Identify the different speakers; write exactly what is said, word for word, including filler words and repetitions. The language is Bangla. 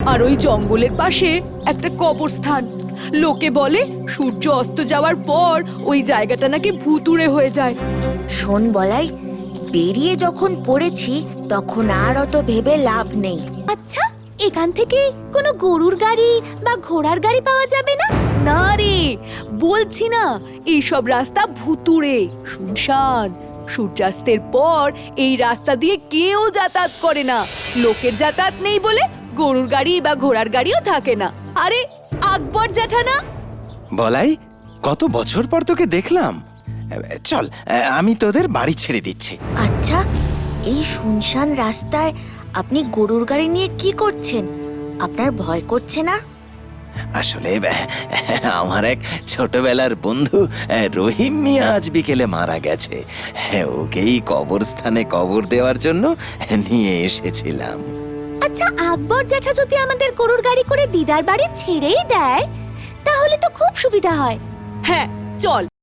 Speaker 1: আর ওই জঙ্গলের পাশে একটা কবরস্থান। লোকে বলে সূর্য অস্ত যাওয়ার পর ওই জায়গাটা নাকি ভুতুড়ে হয়ে যায়।
Speaker 2: শোন বলাই, বেরিয়ে যখন পড়েছি তখন আর অত ভেবে লাভ নেই।
Speaker 3: আচ্ছা, এখান থেকে কোনো গরুর গাড়ি বা ঘোড়ার গাড়ি পাওয়া যাবে না?
Speaker 1: না রে, বলছি না এইসব রাস্তা ভুতুড়ে, শুনশান। সূর্যাস্তের পর এই রাস্তা দিয়ে কেউ যাতায়াত করে না। লোকের যাতায়াত নেই বলে গরুর গাড়ি বা ঘোড়ার গাড়িও থাকে না। আরে আকবর জ্যাঠা না?
Speaker 4: বলাই, কত বছর পর তোকে দেখলাম। চল, আমি তোদের বাড়ি ছেড়ে দিচ্ছি।
Speaker 2: আচ্ছা, এই শুনশান রাস্তায় আপনি গরুর গাড়ি নিয়ে কি করছেন? আপনার ভয় করছে না?
Speaker 4: আসলে আমার এক ছোটবেলার বন্ধু রহিম মিয়া আজ বিকেলে মারা গেছে। ওকেই কবরস্থানে কবর দেওয়ার জন্য নিয়ে এসেছিলাম।
Speaker 3: আচ্ছা, আকবর জ্যাঠা যদি আমাদের গরুর গাড়ি করে দিদার বাড়ি ছেড়েই দেয় তাহলে তো খুব সুবিধা হয়।
Speaker 1: হ্যাঁ, চল।